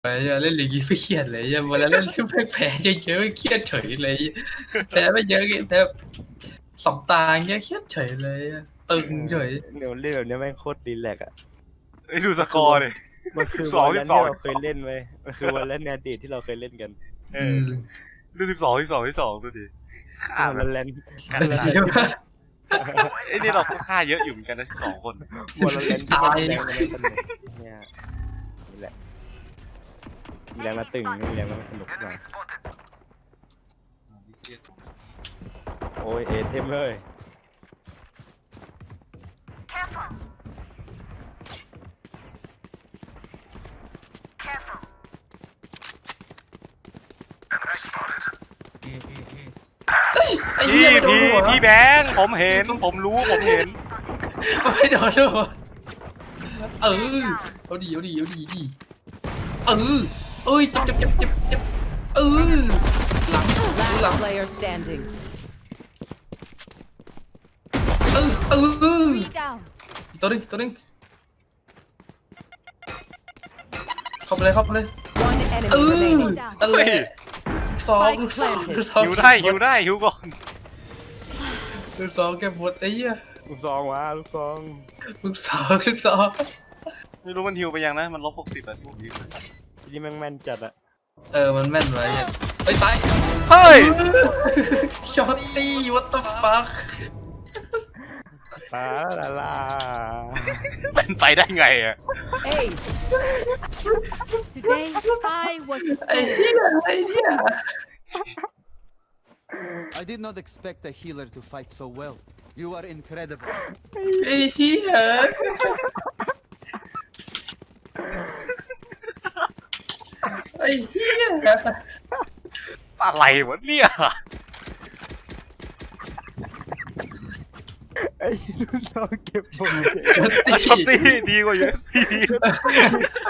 ไอ้เล่นลีกไม่เครียดเลยเวลาเล่นซึ่งแพ้เยอะๆเครียดเฉยเลยแพ้ไม่เยอะแพ้2 ตาเงี้ยเครียดเฉยเลยตึงเฉยเดี๋ยวเล่นแบบนี้แม่งโคตรรีแลกซ์อ่ะดูสกอร์เลยมันคือวันนั้นที่เราเคยเล่นไหมมันคือวันนั้นในอดีตที่เราเคยเล่นกันดู12 ดูดิฆ่าวันแลนด์ใช่ไหมไอ้นี่เราก็ฆ่าเยอะอยู่เหมือนกันนะ12 คนวันแลนด์ที่มันแรงกันสนุกเนี่ยนี่แหละมีแรงมาตึงมีแรงมาสนุกหน่อยโอ้ยเอเทมเลยไอ้เหี้ยไม่โดนหัวพี่แบงค์ผมเห็นผมรู้ผมเห็นไม่โดนหัวเอาดีเอ้ยเจ็บหลัง player standing ตัวนึงเข้าไปเลย one enemy remaining นั่นแหละลูกซองหิวได้หิวก่อนลูกซองแกหมดไอ้เหี้ยลูกซองวะลูกซองลูกซองไม่รู้มันหิวไปยังนะมัน-60อ่ะที่ผมยิงที่แม่งแม่นจัดอะมันแม่นไว้ไอ้ตายเฮ้ยช็อตตี้ what the fuck ลาเป็นไปได้ไงอ่ะ Hey today I was ไอ้เหี้ย I did not expect a healer to fight so well. You are incredible. ไอ้เหี้ยอะไรวะเนี่ยไอ้ลูกซองเก็บผมช็อตช็อตตี้ตี้ดีกว่าเยอะ